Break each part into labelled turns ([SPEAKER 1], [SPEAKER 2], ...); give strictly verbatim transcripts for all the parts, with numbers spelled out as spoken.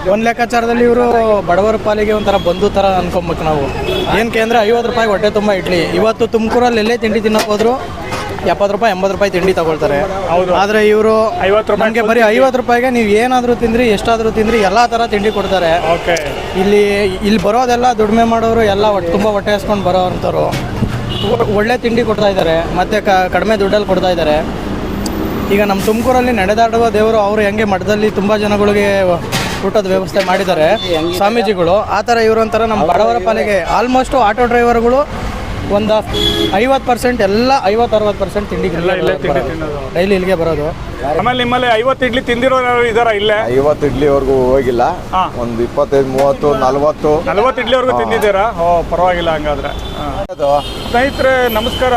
[SPEAKER 1] ಒಂದು ಲೆಕ್ಕಾಚಾರದಲ್ಲಿ ಇವರು ಬಡವರ ಪಾಲಿಗೆ ಒಂಥರ ಬಂಧು ಥರ ಅನ್ಕೊಬೇಕು ನಾವು. ಏನಕ್ಕೆ ಅಂದರೆ ಐವತ್ತು ರೂಪಾಯಿ ಹೊಟ್ಟೆ ತುಂಬ ಇಡ್ಲಿ. ಇವತ್ತು ತುಮಕೂರಲ್ಲಿ ಎಲ್ಲೇ ತಿಂಡಿ ತಿನ್ನೋಕೆ ಹೋದ್ರು ಎಪ್ಪತ್ತು ರೂಪಾಯಿ ಎಂಬತ್ತು ರೂಪಾಯಿ ತಿಂಡಿ ತಗೊಳ್ತಾರೆ.
[SPEAKER 2] ಹೌದು.
[SPEAKER 1] ಆದರೆ ಇವರು
[SPEAKER 2] ಐವತ್ತು ರೂಪಾಯಿ
[SPEAKER 1] ನಮಗೆ ಬರೀ ಐವತ್ತು ರೂಪಾಯಿಗೆ ನೀವು ಏನಾದರೂ ತಿಂದ್ರಿ ಎಷ್ಟಾದರೂ ತಿಂದ್ರಿ ಎಲ್ಲ ಥರ ತಿಂಡಿ ಕೊಡ್ತಾರೆ.
[SPEAKER 2] ಓಕೆ.
[SPEAKER 1] ಇಲ್ಲಿ ಇಲ್ಲಿ ಬರೋದೆಲ್ಲ ದುಡಿಮೆ ಮಾಡೋರು ಎಲ್ಲ ಹೊಟ್ಟೆ ತುಂಬ ಹೊಟ್ಟೆ ಹಸ್ಕೊಂಡು ಬರೋ ಅಂಥವ್ರು ಒಳ್ಳೆ ತಿಂಡಿ ಕೊಡ್ತಾ ಇದ್ದಾರೆ, ಮತ್ತು ಕಡಿಮೆ ದುಡ್ಡಲ್ಲಿ ಕೊಡ್ತಾ ಇದ್ದಾರೆ. ಈಗ ನಮ್ಮ ತುಮಕೂರಲ್ಲಿ ನಡೆದಾಡುವ ದೇವರು ಅವರು ಹೆಂಗೆ ಮಠದಲ್ಲಿ ತುಂಬ ಜನಗಳಿಗೆ ಊಟದ ವ್ಯವಸ್ಥೆ ಮಾಡಿದ್ದಾರೆ ಸ್ವಾಮೀಜಿಗಳು, ಆ ಥರ ಇವರು ಒಂಥರ ನಮ್ಮ ಬಡವರ ಪಾಲಿಗೆ ಆಲ್ಮೋಸ್ಟು ಆಟೋ ಡ್ರೈವರ್ಗಳು ಒಂದು ಐವತ್ತು ಪರ್ಸೆಂಟ್ ಎಲ್ಲ ಐವತ್ತು ಅರವತ್ತು ಪರ್ಸೆಂಟ್ ತಿಂಡಿ ಡೈಲಿ ಇಲ್ಲಿಗೆ ಬರೋದು.
[SPEAKER 2] ಆಮೇಲೆ ನಿಮ್ಮಲ್ಲಿ ಐವತ್ತು ಇಡ್ಲಿ ತಿಂದಿರೋರು ಇದಾರ? ಇಲ್ಲೇ
[SPEAKER 3] ಐವತ್ತು ಇಡ್ಲಿವರೆಗೂ ಹೋಗಿಲ್ಲ, ಒಂದು ಇಪ್ಪತ್ತೈದು ಮೂವತ್ತು ನಲ್ವತ್ತು
[SPEAKER 2] ನಲ್ವತ್ತು ಇಡ್ಲಿವರೆಗೂ ತಿಂದಿದ್ದೀರಾ? ಓ ಪರವಾಗಿಲ್ಲ. ಹಂಗಾದ್ರೆ ಸ್ನೇಹಿತರೆ ನಮಸ್ಕಾರ.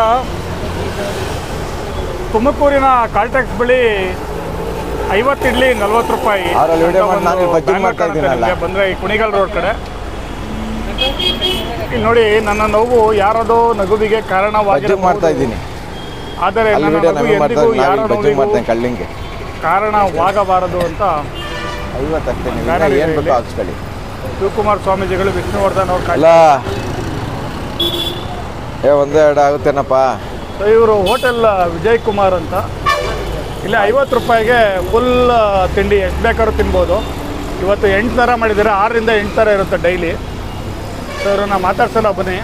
[SPEAKER 2] ತುಮಕೂರಿನ ಕಾಲ್ಟ್ಯಾಕ್ಸ್ ಬಳಿ ಐವತ್ತು ಇಡ್ಲಿ ನಲ್ವತ್ತು ರೂಪಾಯಿ ಬಂದರೆ ಈ ಕುಣಿಗಲ್ ರೋಡ್ ಕಡೆ. ಇಲ್ಲಿ ನೋಡಿ, ನನ್ನ ನೋವು ಯಾರದೋ ನಗುವಿಗೆ ಕಾರಣವಾಗಿ
[SPEAKER 3] ಮಾಡ್ತಾ ಇದ್ದೀನಿ,
[SPEAKER 2] ಆದರೆ
[SPEAKER 3] ಕಳ್ಳಿಂಗೆ
[SPEAKER 2] ಕಾರಣವಾಗಬಾರದು ಅಂತ ಶಿವಕುಮಾರ್ ಸ್ವಾಮೀಜಿಗಳು ವಿಷ್ಣುವರ್ಧನ್ ಅವ್ರ
[SPEAKER 3] ಅಲ್ಲ ಏ ಒಂದೇ ಎರಡು ಆಗುತ್ತೇನಪ್ಪ.
[SPEAKER 2] ಇವರು ಹೋಟೆಲ್ ವಿಜಯ್ ಕುಮಾರ್ ಅಂತ. ಇಲ್ಲಿ ಐವತ್ತು ರೂಪಾಯಿಗೆ ಫುಲ್ ತಿಂಡಿ ಎಷ್ಟು ಬೇಕಾದ್ರೂ ತಿನ್ಬೋದು. ಇವತ್ತು ಎಂಟು ಥರ ಮಾಡಿದ್ದಾರೆ, ಆರರಿಂದ ಎಂಟು ಥರ ಇರುತ್ತೆ ಡೈಲಿ. ಸೊ ಇವ್ರನ್ನ ಮಾತಾಡ್ಸಲ್ಲ ಬನ್ನಿ.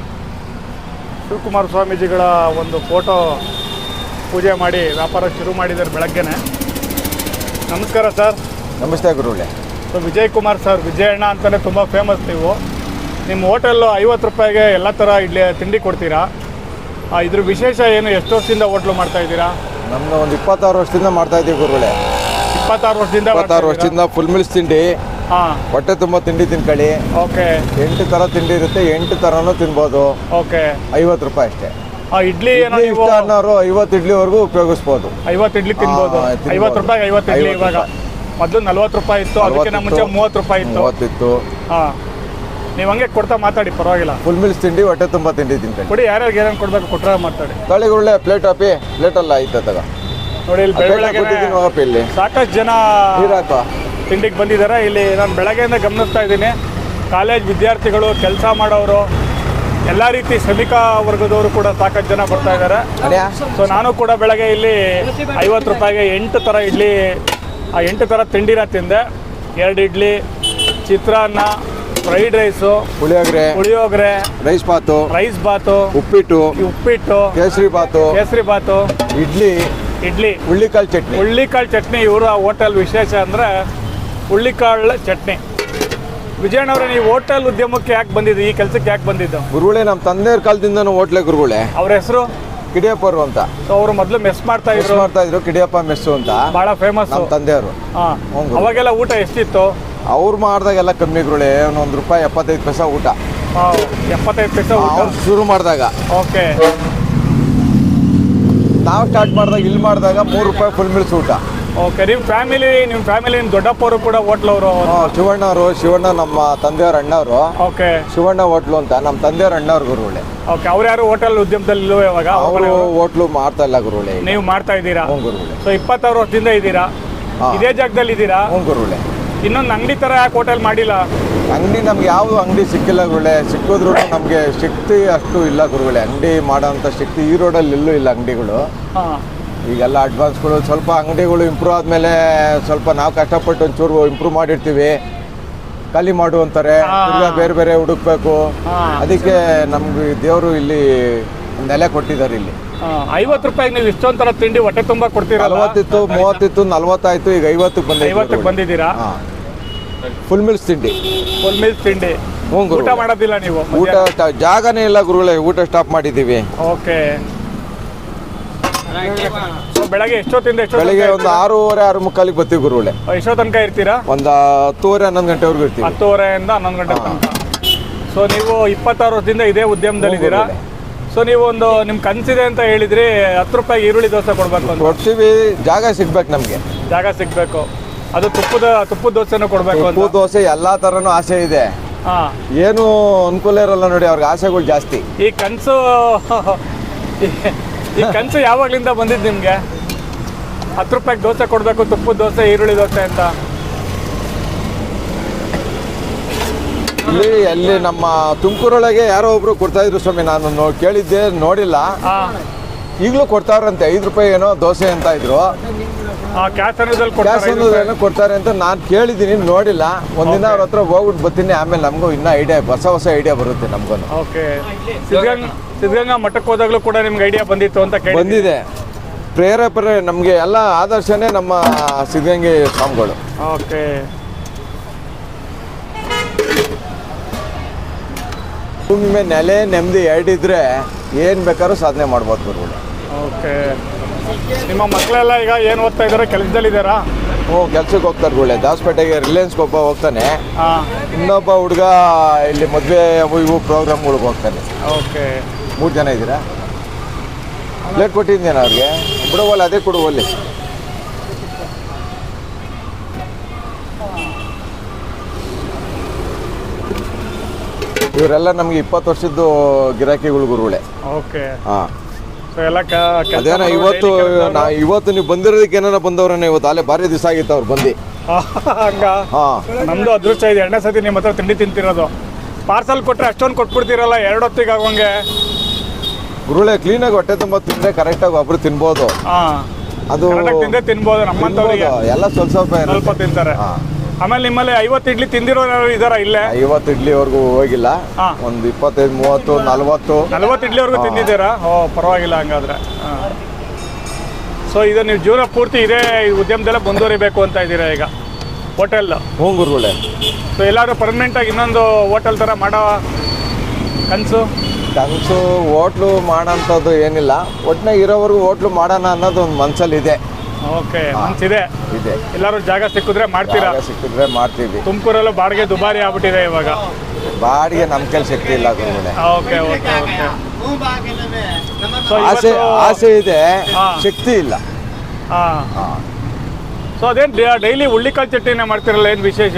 [SPEAKER 2] ಶಿವಕುಮಾರ್ ಸ್ವಾಮೀಜಿಗಳ ಒಂದು ಫೋಟೋ ಪೂಜೆ ಮಾಡಿ ವ್ಯಾಪಾರ ಶುರು ಮಾಡಿದ್ದಾರೆ ಬೆಳಗ್ಗೆನೆ. ನಮಸ್ಕಾರ ಸರ್.
[SPEAKER 3] ನಮಸ್ತೆ ಗುರುಗಳೇ.
[SPEAKER 2] ಸೊ ವಿಜಯ್ ಕುಮಾರ್ ಸರ್, ವಿಜಯಣ್ಣ ಅಂತಲೇ ತುಂಬ ಫೇಮಸ್ ನೀವು. ನಿಮ್ಮ ಹೋಟೆಲ್ಲು ಐವತ್ತು ರೂಪಾಯಿಗೆ ಎಲ್ಲ ಥರ ಇಡ್ಲಿ ತಿಂಡಿ ಕೊಡ್ತೀರಾ. ಇದ್ರ ವಿಶೇಷ ಏನು? ಎಷ್ಟು ವರ್ಷದಿಂದ ಹೋಟ್ಲು ಮಾಡ್ತಾ ಇದ್ದೀರಾ?
[SPEAKER 3] ನಮ್ಮದು ಒಂದು ಇಪ್ಪತ್ತಾರು ವರ್ಷದಿಂದ ಮಾಡ್ತಾ ಇದ್ದೀವಿ ಗುರುಗಳೇ.
[SPEAKER 2] ಇಪ್ಪತ್ತಾರು ವರ್ಷದಿಂದ
[SPEAKER 3] ಇಪ್ಪತ್ತಾರು ವರ್ಷದಿಂದ ಫುಲ್ ಮಿಲ್ಸ್ ತಿಂಡಿ.
[SPEAKER 2] ಹಾಂ,
[SPEAKER 3] ಹೊಟ್ಟೆ ತುಂಬ ತಿಂಡಿ ತಿನ್ಕೊಳ್ಳಿ.
[SPEAKER 2] ಓಕೆ.
[SPEAKER 3] ಎಂಟು ಥರ ತಿಂಡಿ ಇರುತ್ತೆ, ಎಂಟು ಥರನೂ ತಿನ್ಬೋದು.
[SPEAKER 2] ಓಕೆ.
[SPEAKER 3] ಐವತ್ತು ರೂಪಾಯಿ ಅಷ್ಟೇ.
[SPEAKER 2] ಇಡ್ಲಿ ಏನೋ
[SPEAKER 3] ಇಷ್ಟ ಅನ್ನೋರು ಐವತ್ತು ಇಡ್ಲಿವರೆಗೂ ಉಪಯೋಗಿಸ್ಬೋದು.
[SPEAKER 2] ಐವತ್ತು ಇಡ್ಲಿ ತಿನ್ಬೋದು. ಐವತ್ತು ರೂಪಾಯಿ ಐವತ್ತು ಇಡ್ಲಿ. ಇವಾಗ ಮೊದಲು ನಲ್ವತ್ತು ರೂಪಾಯಿ ಇತ್ತು, ಅದಕ್ಕಿಂತ ಮುಂಚೆ ಮೂವತ್ತು ರೂಪಾಯಿ ಇತ್ತು.
[SPEAKER 3] ಮೂವತ್ತಿತ್ತು.
[SPEAKER 2] ಹಾಂ, ನೀವು ಹಂಗೆ ಕೊಡ್ತಾ ಮಾತಾಡಿ, ಪರವಾಗಿಲ್ಲ.
[SPEAKER 3] ಫುಲ್ ಮಿಲ್ಸ್ ತಿಂಡಿ ಹೊಟ್ಟೆ ತುಂಬ ತಿಂಡಿ ತಿನ್ಕೊಳ್ಳಿ.
[SPEAKER 2] ಕೊಡಿ, ಯಾರ್ಯಾರಿಗೆ ಏನೇನು ಕೊಡಬೇಕು ಕೊಟ್ಟರೆ ಮಾತಾಡಿ.
[SPEAKER 3] ತಳಿ ಗುರುಗಳೇ, ಪ್ಲೇಟ್ ಹಾಪಿ ಪ್ಲೇಟಲ್ಲ ಐತೆ ತಗ
[SPEAKER 2] ನೋಡಿ. ಇಲ್ಲಿ ಬೆಳಗ್ಗೆ
[SPEAKER 3] ಇಲ್ಲಿ
[SPEAKER 2] ಸಾಕಷ್ಟು ಜನ ತಿಂಡಿಗೆ ಬಂದಿದ್ದಾರೆ. ಇಲ್ಲಿ ನಾನು ಬೆಳಗ್ಗೆಯಿಂದ ಗಮನಿಸ್ತಾ ಇದ್ದೀನಿ, ಕಾಲೇಜ್ ವಿದ್ಯಾರ್ಥಿಗಳು, ಕೆಲಸ ಮಾಡೋರು, ಎಲ್ಲ ರೀತಿ ಶ್ರಮಿಕ ವರ್ಗದವರು ಕೂಡ ಸಾಕಷ್ಟು ಜನ ಬರ್ತಾ ಇದ್ದಾರೆ. ಸೊ ನಾನು ಕೂಡ ಬೆಳಗ್ಗೆ ಇಲ್ಲಿ ಐವತ್ತು ರೂಪಾಯಿಗೆ ಎಂಟು ಥರ ಇಡ್ಲಿ, ಆ ಎಂಟು ಥರ ತಿಂಡಿನ ತಿಂದೆ. ಎರಡು ಇಡ್ಲಿ, ಚಿತ್ರಾನ್ನ, ಫ್ರೈಡ್ ರೈಸು,
[SPEAKER 3] ಪುಳಿಯೋಗರೆ
[SPEAKER 2] ಪುಳಿಯೋಗರೆ
[SPEAKER 3] ರೈಸ್ ಬಾತು
[SPEAKER 2] ರೈಸ್ ಬಾತು
[SPEAKER 3] ಉಪ್ಪಿಟ್ಟು
[SPEAKER 2] ಉಪ್ಪಿಟ್ಟು
[SPEAKER 3] ಕೇಸರಿ ಬಾತು
[SPEAKER 2] ಕೇಸರಿ ಬಾತು
[SPEAKER 3] ಇಡ್ಲಿ
[SPEAKER 2] ಇಡ್ಲಿ
[SPEAKER 3] ಹುಳ್ಳಿಕಾಳು ಚಟ್ನಿ
[SPEAKER 2] ಹುಳ್ಳಿಕಾಳು ಚಟ್ನಿ ಇವರ ಹೋಟೆಲ್ ವಿಶೇಷ ಅಂದರೆ ಹುಳ್ಳಿಕಾಳು ಚಟ್ನಿ. ವಿಜಯಣ್ಣವ್ರೆ, ನೀವು ಹೋಟೆಲ್ ಉದ್ಯಮಕ್ಕೆ ಯಾಕೆ ಬಂದಿದ್ದು? ಈ ಕೆಲಸಕ್ಕೆ ಯಾಕೆ ಬಂದಿದ್ದು?
[SPEAKER 3] ಗುರುಗಳೇ, ನಮ್ಮ ತಂದೆಯವ್ರ ಕಾಲದಿಂದನೂ ಹೋಟ್ಲೆ ಗುರುಗಳೇ.
[SPEAKER 2] ಅವ್ರ ಹೆಸರು
[SPEAKER 3] ಕಿಡಿಯಪ್ಪರು ಅಂತ.
[SPEAKER 2] ಸೊ ಅವರು ಮೊದಲು ಮೆಸ್ ಮಾಡ್ತಾ ಇದ್ರು
[SPEAKER 3] ಮಾಡ್ತಾ ಇದ್ರು ಕಿಡಿಯಪ್ಪ ಮೆಸ್ಸು ಅಂತ,
[SPEAKER 2] ಬಹಳ ಫೇಮಸ್
[SPEAKER 3] ನಮ್ಮ ತಂದೆಯವರು.
[SPEAKER 2] ಅವಾಗೆಲ್ಲ ಊಟ ಎಷ್ಟಿತ್ತು?
[SPEAKER 3] ಅವ್ರು ಮಾಡಿದಾಗೆಲ್ಲ ಕಮ್ಮಿ ಗುರುಗಳೇ, ಒಂದು ರೂಪಾಯಿ ಎಪ್ಪತ್ತೈದು ಪೈಸಾ ಊಟ.
[SPEAKER 2] ಎಪ್ಪತ್ತೈದು ಪೈಸಾ ಊಟ
[SPEAKER 3] ಶುರು ಮಾಡಿದಾಗ.
[SPEAKER 2] ಓಕೆ.
[SPEAKER 3] ನಾವು ಸ್ಟಾರ್ಟ್ ಮಾಡಿದಾಗ ಇಲ್ಲಿ ಮಾಡಿದಾಗ ಮೂರು ರೂಪಾಯಿ ಫುಲ್ ಮಿಲ್ಸ್ ಊಟ.
[SPEAKER 2] ಓಕೆ. ನಿಮ್ಮ ಫ್ಯಾಮಿಲಿ ನಿಮ್ಮ ಫ್ಯಾಮಿಲಿ ನಿಮ್ಮ ದೊಡ್ಡಪ್ಪವರು ಕೂಡ ಹೋಟ್ಲವರು?
[SPEAKER 3] ಶಿವಣ್ಣ ಅವರು. ಶಿವಣ್ಣ ನಮ್ಮ ತಂದೆಯವ್ರ ಅಣ್ಣವರು.
[SPEAKER 2] ಓಕೆ.
[SPEAKER 3] ಶಿವಣ್ಣ ಹೋಟ್ಲು ಅಂತ ನಮ್ಮ ತಂದೆಯವ್ರ ಅಣ್ಣವ್ರ ಗುರುಗಳೇ.
[SPEAKER 2] ಓಕೆ. ಅವ್ರು ಯಾರು ಹೋಟೆಲ್ ಉದ್ಯಮದಲ್ಲಿ ಇಲ್ಲವೋ ಇವಾಗ?
[SPEAKER 3] ಅವರು ಹೋಟ್ಲು ಮಾಡ್ತಾ ಇಲ್ಲ ಗುರುಗಳೇ.
[SPEAKER 2] ನೀವು ಮಾಡ್ತಾ ಇದ್ದೀರಾ?
[SPEAKER 3] ಹ್ಞೂ ಗುರುಗಳೇ.
[SPEAKER 2] ಸೊ ಇಪ್ಪತ್ತಾರು ವರ್ಷದಿಂದ ಇದ್ದೀರಾ ಇದೇ ಜಾಗದಲ್ಲಿ ಇದ್ದೀರಾ?
[SPEAKER 3] ಹ್ಞೂ ಗುರುಗಳೇ.
[SPEAKER 2] ಇನ್ನೊಂದು ಅಂಗಡಿ ಥರ ಯಾಕೆ ಹೋಟೆಲ್ ಮಾಡಿಲ್ಲ?
[SPEAKER 3] ಅಂಗಡಿ ನಮ್ಗೆ ಯಾವುದು ಅಂಗಡಿ ಸಿಕ್ಕಿಲ್ಲ ಗುರುಗಳೇ. ಸಿಕ್ಕಿದ್ರು ನಮಗೆ ಶಕ್ತಿ ಅಷ್ಟು ಇಲ್ಲ ಗುರುಗಳೇ. ಅಂಗಡಿ ಮಾಡೋಂಥ ಶಕ್ತಿ ಈ ರೋಡಲ್ಲಿ ಎಲ್ಲೂ ಇಲ್ಲ ಅಂಗಡಿಗಳು.
[SPEAKER 2] ಹಾಂ,
[SPEAKER 3] ಈಗೆಲ್ಲ ಅಡ್ವಾನ್ಸ್ಗಳು ಸ್ವಲ್ಪ ಅಂಗಡಿಗಳು ಇಂಪ್ರೂವ್ ಆದಮೇಲೆ ಸ್ವಲ್ಪ ನಾವು ಕಷ್ಟಪಟ್ಟು ಒಂಚೂರು ಇಂಪ್ರೂವ್ ಮಾಡಿರ್ತೀವಿ, ಖಾಲಿ ಮಾಡು ಅಂತಾರೆ, ಈಗ ಬೇರೆ ಬೇರೆ ಹುಡುಕ್ಬೇಕು. ಅದಕ್ಕೆ ನಮ್ಗೆ ದೇವರು ಇಲ್ಲಿ ನೆಲೆ ಕೊಟ್ಟಿದ್ದಾರೆ. ಇಲ್ಲಿ
[SPEAKER 2] ಐವತ್ತು ರೂಪಾಯಿಗೆ ನೀವು ಇಷ್ಟೊಂದು ಥರ ತಿಂಡಿ ಹೊಟ್ಟೆ ತುಂಬ ಕೊಡ್ತೀರಾ?
[SPEAKER 3] ನಲವತ್ತಿತ್ತು, ಮೂವತ್ತಿತ್ತು, ನಲ್ವತ್ತಾಯ್ತು, ಈಗ ಐವತ್ತಕ್ಕೆ ಬಂದ
[SPEAKER 2] ಐವತ್ತಕ್ಕೆ ಬಂದಿದ್ದೀರಾ?
[SPEAKER 3] ಫುಲ್ ಮಿಲ್ಸ್ ತಿಂಡಿ.
[SPEAKER 2] ಫುಲ್ ಮಿಲ್ಸ್ ತಿಂಡಿ. ಊಟ ಮಾಡೋದಿಲ್ಲ ನೀವು?
[SPEAKER 3] ಊಟ ಜಾಗನೇ ಇಲ್ಲ ಗುರುಗಳೇ, ಊಟ ಸ್ಟಾಪ್ ಮಾಡಿದ್ದೀವಿ.
[SPEAKER 2] ಓಕೆ. ಬೆಳಗ್ಗೆ ಎಷ್ಟೊತ್ತಿಂದ ಎಷ್ಟು?
[SPEAKER 3] ಬೆಳಿಗ್ಗೆ ಒಂದು ಆರೂವರೆ ಆರು ಮುಕ್ಕಾಲಿಗೆ ಬರ್ತೀವಿ ಗುರುಗಳೇ.
[SPEAKER 2] ಎಷ್ಟೋ ತನಕ ಇರ್ತೀರಾ?
[SPEAKER 3] ಒಂದು ಹತ್ತುವರೆ ಹನ್ನೊಂದು ಗಂಟೆವರೆಗೂ ಇರ್ತೀವಿ.
[SPEAKER 2] ಹತ್ತುವರೆಯಿಂದ ಹನ್ನೊಂದು ಗಂಟೆ ತನಕ. ಸೊ ನೀವು ಇಪ್ಪತ್ತಾರು ವರ್ಷದಿಂದ ಇದೇ ಉದ್ಯಮದಲ್ಲಿ ಇದ್ದೀರಾ. ಸೊ ನೀವು ಒಂದು ನಿಮ್ಮ ಕನಸಿದೆ ಅಂತ ಹೇಳಿದ್ರಿ, ಹತ್ತು ರೂಪಾಯಿಗೆ ಈರುಳ್ಳಿ ದೋಸೆ ಕೊಡ್ಬೇಕು ಅಂತ.
[SPEAKER 3] ಕೊಡ್ತೀವಿ, ಜಾಗ ಸಿಗ್ಬೇಕು ನಮಗೆ.
[SPEAKER 2] ಜಾಗ ಸಿಗ್ಬೇಕು. ಅದು ತುಪ್ಪದ ತುಪ್ಪದ ದೋಸೆನೂ ಕೊಡ್ಬೇಕು.
[SPEAKER 3] ತುಪ್ಪದ ದೋಸೆ ಎಲ್ಲಾ ತರನು ಆಸೆ ಇದೆ.
[SPEAKER 2] ಹಾಂ,
[SPEAKER 3] ಏನು ಅನುಕೂಲ ಇರಲ್ಲ ನೋಡಿ, ಅವ್ರಿಗೆ ಆಸೆಗಳು ಜಾಸ್ತಿ.
[SPEAKER 2] ಈ ಕನಸು ಈ ಕನಸು ಯಾವಾಗಲಿಂದ ಬಂದಿದ್ದು ನಿಮಗೆ? ಹತ್ತು ರೂಪಾಯಿಗೆ ದೋಸೆ ಕೊಡಬೇಕು, ತುಪ್ಪದ ದೋಸೆ, ಈರುಳ್ಳಿ ದೋಸೆ ಅಂತ.
[SPEAKER 3] ಇಲ್ಲಿ ಅಲ್ಲಿ ನಮ್ಮ ತುಮಕೂರೊಳಗೆ ಯಾರೋ ಒಬ್ರು ಕೊಡ್ತಾ ಇದ್ರು ಸ್ವಾಮಿ, ನಾನು ನೋ ಕೇಳಿದ್ದೆ ನೋಡಿಲ್ಲ.
[SPEAKER 2] ಹಾಂ
[SPEAKER 3] ಈಗಲೂ ಕೊಡ್ತಾರಂತೆ, ಐದು ರೂಪಾಯಿ ಏನೋ ದೋಸೆ ಅಂತ ಇದ್ರು.
[SPEAKER 2] ಕ್ಯಾಶ್ ಅನ್ನೋದಲ್ಲಿ
[SPEAKER 3] ಗ್ಯಾಸ್
[SPEAKER 2] ಕೊಡ್ತಾರೆ
[SPEAKER 3] ಏನೋ ಕೊಡ್ತಾರೆ ಅಂತ ನಾನು ಕೇಳಿದ್ದೀನಿ, ನೋಡಿಲ್ಲ. ಒಂದಿನ ಅವ್ರ ಹತ್ರ ಹೋಗ್ಬಿಟ್ಟು ಬರ್ತೀನಿ, ಆಮೇಲೆ ನಮಗೂ ಇನ್ನೂ ಐಡಿಯಾ, ಹೊಸ ಹೊಸ ಐಡಿಯಾ ಬರುತ್ತೆ ನಮಗೂ.
[SPEAKER 2] ಓಕೆ. ಸಿದ್ಧಗಂಗಾ ಸಿದ್ಧಗಂಗಾ ಮಠಕ್ಕೆ ಹೋದಾಗಲೂ ಕೂಡ ನಿಮ್ಗೆ ಐಡಿಯಾ ಬಂದಿತ್ತು ಅಂತ ಕೇಳಿ
[SPEAKER 3] ಬಂದಿದೆ. ಪ್ರೇರೇಪಣೆ ನಮಗೆ ಎಲ್ಲ ಆದರ್ಶನೇ ನಮ್ಮ ಸಿದ್ಧಗಂಗೆ ಸ್ವಾಮಿಗಳು.
[SPEAKER 2] ಓಕೆ.
[SPEAKER 3] ಭೂಮಿ ಮೇಲೆ ನೆಲೆ ನೆಮ್ಮದಿ ಎರಡಿದ್ರೆ ಏನು ಬೇಕಾದ್ರೂ ಸಾಧನೆ ಮಾಡ್ಬೋದು ಗುರುಗಳು.
[SPEAKER 2] ಓಕೆ. ನಿಮ್ಮ ಮಕ್ಕಳೆಲ್ಲ ಈಗ ಏನು ಓದ್ತಾ ಇದ್ದಾರೆ, ಕೆಲಸದಲ್ಲಿದ್ದಾರಾ?
[SPEAKER 3] ಹ್ಞೂ, ಕೆಲ್ಸಕ್ಕೆ ಹೋಗ್ತಾರೆ ಗುರುಳೆ. ದಾಸಪೇಟೆಗೆ ರಿಲಯನ್ಸ್ಗೆ ಒಬ್ಬ ಹೋಗ್ತಾನೆ,
[SPEAKER 2] ಹಾಂ.
[SPEAKER 3] ಇನ್ನೊಬ್ಬ ಹುಡುಗ ಇಲ್ಲಿ ಮದುವೆ ಅವು ಇವು ಪ್ರೋಗ್ರಾಮ್ಗಳಿಗೆ ಹೋಗ್ತಾನೆ.
[SPEAKER 2] ಓಕೆ.
[SPEAKER 3] ಮೂರು ಜನ ಇದ್ದೀರಾ? ಪ್ಲೇಟ್ ಕೊಟ್ಟಿದ್ದೇನೆ ಅವ್ರಿಗೆ, ಬಿಡುವಲ್ಲ ಅದೇ ಕೊಡುವಲ್ಲಿ. ಇವರೆಲ್ಲ ನಮಗೆ ಇಪ್ಪತ್ತು ವರ್ಷದ್ದು ಗಿರಾಕಿಗಳು ಗುರುಗಳೇ.
[SPEAKER 2] ಓಕೆ.
[SPEAKER 3] ಹಾಂ.
[SPEAKER 2] ಸೊ ಎಲ್ಲ
[SPEAKER 3] ಅದೇನೋ ಇವತ್ತು ನಾ ಇವತ್ತು ನೀವು ಬಂದಿರೋದಕ್ಕೆ ಏನಾರ ಬಂದವ್ರನ್ನ ಇವತ್ತು ಅಲ್ಲೇ ಭಾರಿ ದಿವಸ ಆಗಿತ್ತು ಅವ್ರು ಬಂದು.
[SPEAKER 2] ಹಂಗ
[SPEAKER 3] ಹಾಂ,
[SPEAKER 2] ನಮ್ಮದು ಅದೃಷ್ಟ ಇದೆ, ಎರಡನೇ ಸತಿ ನಿಮ್ಮ ಹತ್ರ ತಿಂಡಿ ತಿಂತಿರೋದು. ಪಾರ್ಸಲ್ ಕೊಟ್ಟರೆ ಅಷ್ಟೊಂದು ಕೊಟ್ಬಿಡ್ತೀರಲ್ಲ ಎರಡು ಹೊತ್ತಿಗೆ ಆಗೋಂಗೆ.
[SPEAKER 3] ಗುರುಳೆ ಕ್ಲೀನಾಗಿ ಹೊಟ್ಟೆ ತುಂಬ ತಿಂದರೆ ಕರೆಕ್ಟಾಗಿ ಒಬ್ರು ತಿನ್ಬೋದು.
[SPEAKER 2] ಹಾಂ,
[SPEAKER 3] ಅದು
[SPEAKER 2] ತಿಂದೇ ತಿನ್ಬೋದು. ನಮ್ಮಂಥವ್ರಿಗೆ
[SPEAKER 3] ಎಲ್ಲ ಸ್ವಲ್ಪ ಸ್ವಲ್ಪ
[SPEAKER 2] ಸ್ವಲ್ಪ ತಿಂತಾರೆ.
[SPEAKER 3] ಹಾಂ.
[SPEAKER 2] ಆಮೇಲೆ ನಿಮ್ಮಲ್ಲಿ ಐವತ್ತು ಇಡ್ಲಿ ತಿಂದಿರೋರು ಇದಾರ ಇಲ್ಲೇ?
[SPEAKER 3] ಐವತ್ತು ಇಡ್ಲಿವರೆಗೂ ಹೋಗಿಲ್ಲ,
[SPEAKER 2] ಹಾಂ.
[SPEAKER 3] ಒಂದು ಇಪ್ಪತ್ತೈದು ಮೂವತ್ತು ನಲ್ವತ್ತು
[SPEAKER 2] ನಲ್ವತ್ತು ಇಡ್ಲಿವರೆಗೂ ತಿಂದಿದ್ದೀರಾ? ಓ, ಪರವಾಗಿಲ್ಲ ಹಂಗಾದ್ರೆ. ಹಾಂ. ಸೊ ಇದು ನೀವು ಜೀವನ ಪೂರ್ತಿ ಇದೇ ಉದ್ಯಮದಲ್ಲೇ ಮುಂದುವರಿಬೇಕು ಅಂತ ಇದ್ದೀರಾ ಈಗ, ಹೋಟೆಲ್?
[SPEAKER 3] ಹ್ಞೂ ಗುರುಗಳೇ.
[SPEAKER 2] ಸೊ ಎಲ್ಲರೂ ಪರ್ಮನೆಂಟಾಗಿ ಇನ್ನೊಂದು ಹೋಟೆಲ್ ಥರ ಮಾಡೋ ಕನಸು?
[SPEAKER 3] ಕನಸು ಹೋಟ್ಲು ಮಾಡೋಂಥದ್ದು ಏನಿಲ್ಲ, ಒಟ್ಟಿನಾಗ ಇರೋವರೆಗೂ ಹೋಟ್ಲು ಮಾಡೋಣ ಅನ್ನೋದು ಒಂದು ಮನಸ್ಸಲ್ಲಿದೆ.
[SPEAKER 2] ಓಕೆ, ಮನ್ಸಿದೆ.
[SPEAKER 3] ಇದೆ.
[SPEAKER 2] ಎಲ್ಲರೂ ಜಾಗ ಸಿಕ್ಕಿದ್ರೆ ಮಾಡ್ತೀರಾ?
[SPEAKER 3] ಜಾಗ ಸಿಕ್ಕಿದ್ರೆ ಮಾಡ್ತೀವಿ.
[SPEAKER 2] ತುಮಕೂರಲ್ಲೂ ಬಾಡಿಗೆ ದುಬಾರಿ ಆಗ್ಬಿಟ್ಟಿದೆ ಇವಾಗ.
[SPEAKER 3] ಬಾಡಿಗೆ ನಮ್ಮ ಕೈಲಿ ಶಕ್ತಿ ಇಲ್ಲ ಗುರುಗಳೇ.
[SPEAKER 2] Okay okay okay. ಸೊ
[SPEAKER 3] ಆಸೆ ಆಸೆ ಇದೆ,
[SPEAKER 2] ಹಾಂ.
[SPEAKER 3] ಶಕ್ತಿ ಇಲ್ಲ.
[SPEAKER 2] ಹಾಂ.
[SPEAKER 3] ಹಾಂ.
[SPEAKER 2] ಸೊ ಅದೇನು ಡೈಲಿ ಹುಳ್ಳಿಕಾಳು ಚಟ್ನಿನೇ ಮಾಡ್ತಿರಲ್ಲ, ಏನು ವಿಶೇಷ?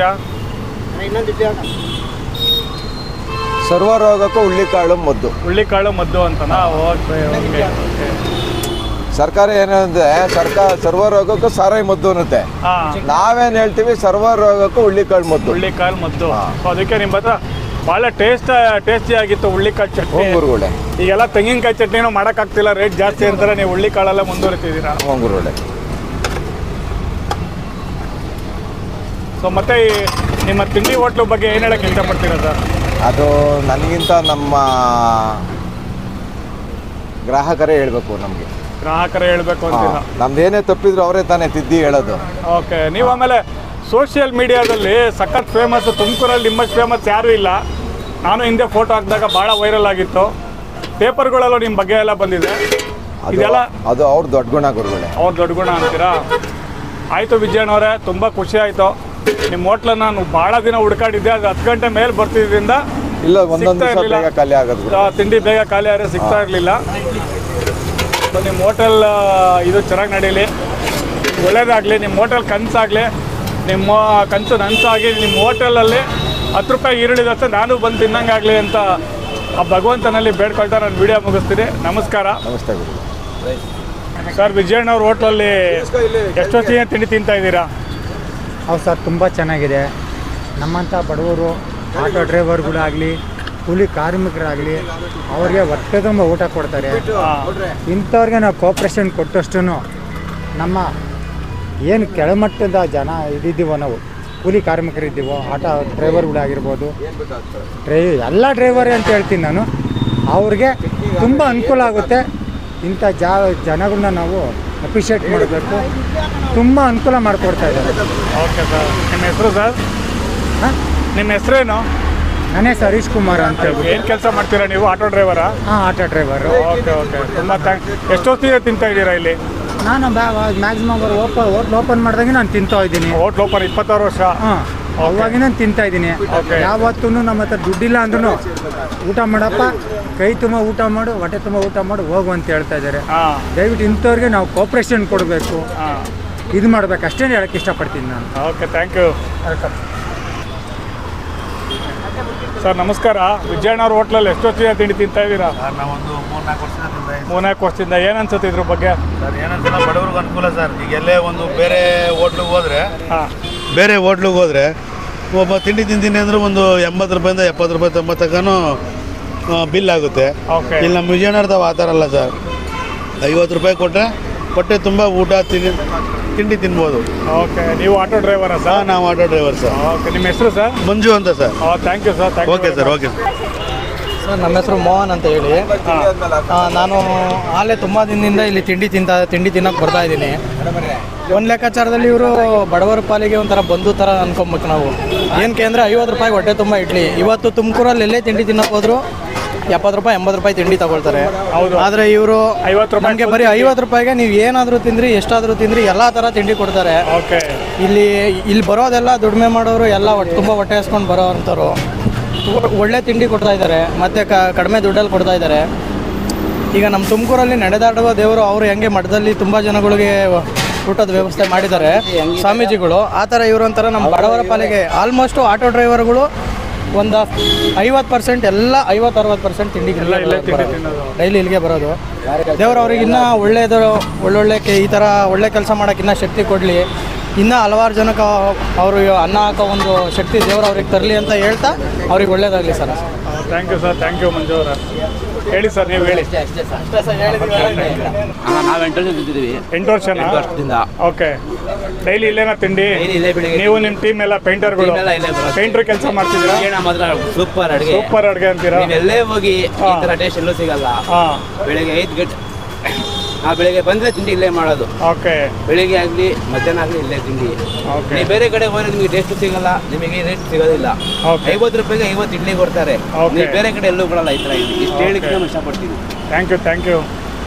[SPEAKER 3] ಸರ್ವರೋಗಕ್ಕೂ ಹುಳ್ಳಿಕಾಳು ಮದ್ದು.
[SPEAKER 2] ಹುಳ್ಳಿಕಾಳು ಮದ್ದು ಅಂತನಾ? Okay okay okay.
[SPEAKER 3] ಸರ್ಕಾರ ಏನಂದ್ರೆ ಸರ್ಕಾರ ಸರ್ವರೋಗಕ್ಕೂ ಸಾರಾಯಿ ಮದ್ದು ಅನ್ನುತ್ತೆ.
[SPEAKER 2] ಹಾಂ.
[SPEAKER 3] ನಾವೇನು ಹೇಳ್ತೀವಿ, ಸರ್ವರೋಗಕ್ಕೂ ಹುಳ್ಳಿಕಾಳು ಮದ್ದು.
[SPEAKER 2] ಹುಳ್ಳಿಕಾಳು ಮದ್ದು.
[SPEAKER 3] ಹಾಂ.
[SPEAKER 2] ಸೊ ಅದಕ್ಕೆ ನಿಮ್ಮ ಹತ್ರ ಭಾಳ ಟೇಸ್ಟ್ ಟೇಸ್ಟಿ ಆಗಿತ್ತು ಹುಳ್ಳಿಕಾಳು ಚಟ್ನಿ.
[SPEAKER 3] ಹ್ಞೂ ಗುರುಗಳೇ.
[SPEAKER 2] ಈಗೆಲ್ಲ ತೆಂಗಿನಕಾಯಿ ಚಟ್ನಿನೂ ಮಾಡೋಕ್ಕಾಗ್ತಿಲ್ಲ, ರೇಟ್ ಜಾಸ್ತಿ ಅಂತಾರೆ, ನೀವು ಹುಳ್ಳಿಕಾಳೆಲ್ಲ ಮುಂದುವರಿತಿದ್ದೀರಾ.
[SPEAKER 3] ಹ್ಞೂ ಗುರುಗಳೇ.
[SPEAKER 2] ಸೊ ಮತ್ತೆ ಈ ನಿಮ್ಮ ತಿಂಡಿ ಹೋಟ್ಲು ಬಗ್ಗೆ ಏನು ಹೇಳಕ್ಕೆ ಇಷ್ಟಪಡ್ತೀರಾ ಸರ್?
[SPEAKER 3] ಅದು ನನಗಿಂತ ನಮ್ಮ ಗ್ರಾಹಕರೇ ಹೇಳಬೇಕು ನಮಗೆ.
[SPEAKER 2] ಗ್ರಾಹಕರೇ ಹೇಳಬೇಕು ಅಂತೀರಾ?
[SPEAKER 3] ನಮ್ದು ಏನೇ ತಪ್ಪಿದ್ರು ಅವರೇ ತಾನೇ ತಿದ್ದಿ ಹೇಳೋದು.
[SPEAKER 2] ಓಕೆ. ನೀವು ಆಮೇಲೆ ಸೋಷಿಯಲ್ ಮೀಡಿಯಾದಲ್ಲಿ ಸಖತ್ ಫೇಮಸ್, ತುಮಕೂರಲ್ಲಿ ನಿಮ್ಮಷ್ಟು ಫೇಮಸ್ ಯಾರೂ ಇಲ್ಲ. ನಾನು ಹಿಂದೆ ಫೋಟೋ ಹಾಕಿದಾಗ ಭಾಳ ವೈರಲ್ ಆಗಿತ್ತು, ಪೇಪರ್ಗಳಲ್ಲೂ ನಿಮ್ಮ ಬಗ್ಗೆ ಎಲ್ಲ ಬಂದಿದೆ.
[SPEAKER 3] ಅದು
[SPEAKER 2] ಇದೆಲ್ಲ
[SPEAKER 3] ಅದು ಅವ್ರ ದೊಡ್ಡ ಗುಣ ಗುರುಗಳೇ.
[SPEAKER 2] ಅವ್ರ ದೊಡ್ಡ ಗುಣ ಅಂತೀರಾ? ಆಯಿತು ವಿಜಯಣ್ಣವರೇ, ತುಂಬ ಖುಷಿ ಆಯಿತು. ನಿಮ್ಮ ಹೋಟ್ಲನ್ನು ನಾನು ಭಾಳ ದಿನ ಹುಡ್ಕಾಡಿದ್ದೆ, ಅದು ಹತ್ತು ಗಂಟೆ ಮೇಲೆ ಬರ್ತಿದ್ದರಿಂದ
[SPEAKER 3] ಇಲ್ಲ, ಒಂದೊಂದು
[SPEAKER 2] ಸಿಗ್ತಾ
[SPEAKER 3] ದಿವಸ
[SPEAKER 2] ಇರ್ಲಿಲ್ಲ.
[SPEAKER 3] ಬೇಗ ಖಾಲಿ ಆಗೋದು.
[SPEAKER 2] ಆ, ತಿಂಡಿ ಬೇಗ ಖಾಲಿ ಆದರೆ ಸಿಗ್ತಾ ಇರಲಿಲ್ಲ. ಸೊ ನಿಮ್ಮ ಹೋಟೆಲ್ ಇದು ಚೆನ್ನಾಗಿ ನಡೀಲಿ, ಒಳ್ಳೇದಾಗಲಿ, ನಿಮ್ಮ ಹೋಟೆಲ್ ಕನಸಾಗಲಿ, ನಿಮ್ಮ ಕನಸು ನನಸಾಗಿ ನಿಮ್ಮ ಹೋಟೆಲಲ್ಲಿ ಹತ್ತು ರೂಪಾಯಿ ಈರುಳ್ಳಿ ದೋಸೆ ನಾನು ಬಂದು ತಿನ್ನಂಗಾಗಲಿ ಅಂತ ಆ ಭಗವಂತನಲ್ಲಿ ಬೇಡ್ಕೊಳ್ತಾ ನಾನು ವಿಡಿಯೋ ಮುಗಿಸ್ತೀನಿ. ನಮಸ್ಕಾರ.
[SPEAKER 3] ನಮಸ್ತೆ ಗುರು.
[SPEAKER 2] ಸರ್, ವಿಜಯಣ್ಣವ್ರ ಹೋಟ್ಲಲ್ಲಿ ಎಷ್ಟೊತ್ತಿಗೆ ತಿಂಡಿ ತಿಂತಾ ಇದ್ದೀರಾ?
[SPEAKER 4] ಹೌದು ಸರ್, ತುಂಬ ಚೆನ್ನಾಗಿದೆ. ನಮ್ಮಂಥ ಬಡವರು ಆಟೋ ಡ್ರೈವರ್ಗಳಾಗಲಿ, ಕೂಲಿ ಕಾರ್ಮಿಕರಾಗಲಿ, ಅವ್ರಿಗೆ ಹೊಟ್ಟೆ ತುಂಬ ಊಟ ಕೊಡ್ತಾರೆ. ಇಂಥವ್ರಿಗೆ ನಾವು ಕೋಪ್ರೇಷನ್ ಕೊಟ್ಟಷ್ಟು ನಮ್ಮ ಏನು ಕೆಳಮಟ್ಟದ ಜನ ಇದಿದ್ದೀವೋ, ನಾವು ಕೂಲಿ ಕಾರ್ಮಿಕರಿದ್ದೀವೋ, ಆಟೋ ಡ್ರೈವರ್ಗಳಾಗಿರ್ಬೋದು, ಡ್ರೈ ಎಲ್ಲ ಡ್ರೈವರೇ ಅಂತ ಹೇಳ್ತೀನಿ ನಾನು, ಅವ್ರಿಗೆ ತುಂಬ ಅನುಕೂಲ ಆಗುತ್ತೆ. ಇಂಥ ಜಾ ಜನಗಳನ್ನ ನಾವು ಅಪ್ರಿಷಿಯೇಟ್ ಮಾಡಬೇಕು. ತುಂಬ ಅನುಕೂಲ ಮಾಡಿಕೊಡ್ತಾ ಇದ್ದಾರೆ.
[SPEAKER 2] Okay sir. ನಿಮ್ಮ ಹೆಸರು ಸರ್?
[SPEAKER 4] ಹಾಂ,
[SPEAKER 2] ನಿಮ್ಮ ಹೆಸರೇನು?
[SPEAKER 4] ನಾನೇ ಸರ್ ಹರೀಶ್ ಕುಮಾರ್ ಅಂತ ಹೇಳ್ಬಿಟ್ಟು.
[SPEAKER 2] ಏನು ಕೆಲಸ ಮಾಡ್ತೀರಾ ನೀವು? ಆಟೋ ಡ್ರೈವರಾ?
[SPEAKER 4] ಹಾಂ, ಆಟೋ ಡ್ರೈವರು.
[SPEAKER 2] Okay okay. ತುಂಬ ಥ್ಯಾಂಕ್. ಎಷ್ಟೊತ್ತಿಗೆ ತಿಂತಾ ಇದ್ದೀರಾ ಇಲ್ಲಿ?
[SPEAKER 4] ನಾನು ಮ್ಯಾಕ್ಸಿಮಮ್ ಅವ್ರು ಓಪನ್ ಹೋಟ್ಲ್ ಓಪನ್ ಮಾಡಿದಾಗೆ ನಾನು ತಿಂತಾ ಇದ್ದೀನಿ.
[SPEAKER 2] ಹೋಟ್ಲ್ ಓಪನ್ ಇಪ್ಪತ್ತಾರು ವರ್ಷ?
[SPEAKER 4] ಹಾಂ, ಅವಾಗಿ ನಾನು ತಿಂತಾ ಇದ್ದೀನಿ.
[SPEAKER 2] Okay.
[SPEAKER 4] ಯಾವತ್ತೂ ನಮ್ಮ ಹತ್ರ ದುಡ್ಡಿಲ್ಲ ಅಂದ್ರೂ ಊಟ ಮಾಡಪ್ಪ, ಕೈ ತುಂಬ ಊಟ ಮಾಡು, ಹೊಟ್ಟೆ ತುಂಬ ಊಟ ಮಾಡು, ಹೋಗು ಅಂತ ಹೇಳ್ತಾ ಇದ್ದಾರೆ.
[SPEAKER 2] ಹಾಂ
[SPEAKER 4] ದಯವಿಟ್ಟು ಇಂಥವ್ರಿಗೆ ನಾವು ಕೋಪ್ರೇಷನ್ ಕೊಡಬೇಕು,
[SPEAKER 2] ಹಾಂ
[SPEAKER 4] ಇದು ಮಾಡಬೇಕು, ಅಷ್ಟೇ ಹೇಳಕ್ಕೆ ಇಷ್ಟಪಡ್ತೀನಿ ನಾನು.
[SPEAKER 2] Okay, thank you. ಸರ್ ನಮಸ್ಕಾರ. ವಿಜಯಣ್ಣವ್ರ ಹೋಟ್ಲಲ್ಲಿ ಎಷ್ಟೊತ್ತಿಗೆ ತಿಂಡಿ ತಿಂತಾ ಇದ್ದೀರಾ?
[SPEAKER 5] ನಾವೊಂದು ಮೂರ್ನಾಲ್ಕು ವರ್ಷದಿಂದ ತಿಂತಾ ಇದ್ದೀವಿ.
[SPEAKER 2] ಮೂರ್ನಾಲ್ಕು ವರ್ಷದಿಂದ. ಏನು ಅನ್ಸುತ್ತೆ ಇದ್ರ ಬಗ್ಗೆ?
[SPEAKER 5] ಸರ್ ಏನಂತ ಬಡವ್ರಿಗೆ ಅನುಕೂಲ ಸರ್. ಈಗ ಎಲ್ಲೇ ಒಂದು ಬೇರೆ ಹೋಟ್ಲಿಗೆ ಹೋದರೆ
[SPEAKER 2] ಹಾಂ
[SPEAKER 5] ಬೇರೆ ಹೋಟ್ಲಿಗೆ ಹೋದರೆ ಒಬ್ಬ ತಿಂಡಿ ತಿಂತೀನಿ ಅಂದರೆ ಒಂದು ಎಂಬತ್ತು ರೂಪಾಯಿಂದ ಎಪ್ಪತ್ತು ರೂಪಾಯಿ ತೊಂಬತ್ತು ತನಕನೂ ಬಿಲ್ ಆಗುತ್ತೆ.
[SPEAKER 2] ಓಕೆ.
[SPEAKER 5] ಇಲ್ಲಿ ನಮ್ಮ ವಿಜಯನಗರದ ಆ ಥರ ಅಲ್ಲ ಸರ್. ಐವತ್ತು ರೂಪಾಯಿ ಕೊಟ್ಟರೆ ಹೊಟ್ಟೆ ತುಂಬ ಊಟ ತಿಂಡಿ ತಿಂಡಿ ತಿನ್ಬೋದು.
[SPEAKER 2] ಓಕೆ. ನೀವು ಆಟೋ ಡ್ರೈವರಾ
[SPEAKER 5] ಹಾಂ,
[SPEAKER 2] ಸರ್?
[SPEAKER 5] ನಾವು ಆಟೋ ಡ್ರೈವರ್ ಸರ್.
[SPEAKER 2] ಓಕೆ. ನಿಮ್ಮ ಹೆಸರು ಸರ್?
[SPEAKER 5] ಮಂಜು ಅಂತ sir.
[SPEAKER 2] Thank you sir. Thank you.
[SPEAKER 5] Okay sir, okay.
[SPEAKER 1] Sir ನಮ್ಮ ಹೆಸರು ಮೋಹನ್ ಅಂತ ಹೇಳಿ. ಆ, ನಾನು ಆಲೇ ತುಂಬ ದಿನದಿಂದ ಇಲ್ಲಿ ತಿಂಡಿ ತಿಂತ ತಿಂಡಿ ತಿನ್ನೋಕೆ ಬರ್ತಾ ಇದ್ದೀನಿ. ಒಂದು ಲೆಕ್ಕಾಚಾರದಲ್ಲಿ ಇವರು ಬಡವರ ಪಾಲಿಗೆ ಒಂಥರ ಬಂಧು ಥರ ಅನ್ಕೊಬೇಕು ನಾವು. ಏನಕ್ಕೆ ಅಂದರೆ ಐವತ್ತು ರೂಪಾಯಿ ಹೊಟ್ಟೆ ತುಂಬ ಇಡ್ಲಿ. ಇವತ್ತು ತುಮಕೂರಲ್ಲಿ ಎಲ್ಲೇ ತಿಂಡಿ ತಿನ್ನೋಕೆ ಹೋದ್ರು ಎಪ್ಪತ್ತು ರೂಪಾಯಿ ಎಂಬತ್ತು ರೂಪಾಯಿ ತಿಂಡಿ ತಗೊಳ್ತಾರೆ.
[SPEAKER 2] ಹೌದು.
[SPEAKER 1] ಆದರೆ ಇವರು
[SPEAKER 2] ಐವತ್ತು ರೂಪಾಯಿ
[SPEAKER 1] ನಮಗೆ ಬರೀ ಐವತ್ತು ರೂಪಾಯಿಗೆ ನೀವು ಏನಾದರೂ ತಿಂದ್ರಿ ಎಷ್ಟಾದರೂ ತಿಂದ್ರಿ ಎಲ್ಲ ಥರ ತಿಂಡಿ ಕೊಡ್ತಾರೆ.
[SPEAKER 2] ಓಕೆ.
[SPEAKER 1] ಇಲ್ಲಿ ಇಲ್ಲಿ ಬರೋದೆಲ್ಲ ದುಡಿಮೆ ಮಾಡೋರು ಎಲ್ಲ ಒಟ್ಟು ತುಂಬ ಹೊಟ್ಟೆ ಹಸ್ಕೊಂಡು ಬರೋ ಅಂಥವ್ರು. ಒಳ್ಳೆ ತಿಂಡಿ ಕೊಡ್ತಾ ಇದ್ದಾರೆ, ಮತ್ತು ಕಡಿಮೆ ದುಡ್ಡಲ್ಲಿ ಕೊಡ್ತಾ ಇದ್ದಾರೆ. ಈಗ ನಮ್ಮ ತುಮಕೂರಲ್ಲಿ ನಡೆದಾಡುವ ದೇವರು ಅವರು ಹೆಂಗೆ ಮಠದಲ್ಲಿ ತುಂಬ ಜನಗಳಿಗೆ ಊಟದ ವ್ಯವಸ್ಥೆ ಮಾಡಿದ್ದಾರೆ ಸ್ವಾಮೀಜಿಗಳು, ಆ ಥರ ಇವರು ಒಂಥರ ನಮ್ಮ ಬಡವರ ಪಾಲಿಗೆ ಆಲ್ಮೋಸ್ಟು ಆಟೋ ಡ್ರೈವರ್ಗಳು ಒಂದು ಐವತ್ತು ಪರ್ಸೆಂಟ್ ಎಲ್ಲ ಐವತ್ತು ಅರವತ್ತು ಪರ್ಸೆಂಟ್ ತಿಂಡಿ ಡೈಲಿ ಇಲ್ಲಿಗೆ ಬರೋದು. ದೇವರು ಅವ್ರಿಗೆ ಇನ್ನೂ ಒಳ್ಳೆಯದು ಒಳ್ಳೊಳ್ಳೆ ಕೆ ಈ ಥರ ಒಳ್ಳೆ ಕೆಲಸ ಮಾಡೋಕ್ಕೆ ಇನ್ನೂ ಶಕ್ತಿ ಕೊಡಲಿ. ಇನ್ನೂ ಹಲವಾರು ಜನಕ್ಕೆ ಅವರು ಅನ್ನ ಹಾಕೋ ಒಂದು ಶಕ್ತಿ ದೇವರು ಅವ್ರಿಗೆ ತರಲಿ ಅಂತ ಹೇಳ್ತಾ ಅವ್ರಿಗೆ ಒಳ್ಳೇದಾಗಲಿ sir.
[SPEAKER 2] Thank you sir. Thank you Manju ಅವರ. ಹೇಳಿ ಸರ್, ನೀವು ಹೇಳಿ.
[SPEAKER 6] ನಾವು ಎಂಟು ವರ್ಷ ತಿಂತಿದ್ದೀವಿ.
[SPEAKER 2] ಎಂಟು ವರ್ಷನಾ?
[SPEAKER 6] ಎಂಟು ವರ್ಷದಿಂದ.
[SPEAKER 2] ಓಕೆ. ಡೈಲಿ ಇಲ್ಲೇನಾ ತಿಂಡಿ?
[SPEAKER 6] ಇಲ್ಲೇ ಬೆಳಿಗ್ಗೆ
[SPEAKER 2] ನೀವು ನಿಮ್ಮ ಟೀಮ್ ಎಲ್ಲ ಪೇಂಟರ್ಗಳು
[SPEAKER 6] team ಎಲ್ಲ ಇಲ್ಲೇ ಬರೋದು.
[SPEAKER 2] ಪೇಂಟರ್ ಕೆಲಸ ಮಾಡ್ತಿದ್ದೀರಾ?
[SPEAKER 6] ಏನ ಮಾತ್ರ ಸೂಪರ್ ಅಡುಗೆ.
[SPEAKER 2] ಸೂಪರ್ ಅಡುಗೆ ಅಂತೀರಾ?
[SPEAKER 6] ನೀವೆಲ್ಲೇ ಹೋಗಿ ಈ ಥರ ಟೇಸ್ಟ್ ಎಲ್ಲೂ ಸಿಗಲ್ಲ.
[SPEAKER 2] ಹಾಂ.
[SPEAKER 6] ಬೆಳಿಗ್ಗೆ ಐದು ಗಂಟೆ ಆ ಬೆಳಿಗ್ಗೆ ಬಂದರೆ ತಿಂಡಿ ಇಲ್ಲೇ ಮಾಡೋದು.
[SPEAKER 2] ಓಕೆ.
[SPEAKER 6] ಬೆಳಿಗ್ಗೆ ಆಗಲಿ ಮಧ್ಯಾಹ್ನ ಆಗಲಿ ಇಲ್ಲೇ ತಿಂಡಿ.
[SPEAKER 2] ಓಕೆ.
[SPEAKER 6] ನೀವು ಬೇರೆ ಕಡೆ ಹೋದ್ರೆ ನಿಮಗೆ ಟೇಸ್ಟ್ ಸಿಗಲ್ಲ, ನಿಮಗೆ ರೇಟ್ ಸಿಗೋದಿಲ್ಲ.
[SPEAKER 2] ಓಕೆ.
[SPEAKER 6] ಐವತ್ತು ರೂಪಾಯಿಗೆ ಐವತ್ತು ಇಡ್ಲಿ ಕೊಡ್ತಾರೆ.
[SPEAKER 2] ಓಕೆ.
[SPEAKER 6] ನೀವು ಬೇರೆ ಕಡೆ ಎಲ್ಲೂ ಕೊಡಲ್ಲ ಈ ಥರ ಇಲ್ಲಿ. ಇಷ್ಟು
[SPEAKER 2] ಓಕೆ.
[SPEAKER 6] ಹೇಳಿಕ್ಕೆ ನಾನು ಇಷ್ಟಪಡ್ತೀನಿ.
[SPEAKER 2] Thank you. Thank you.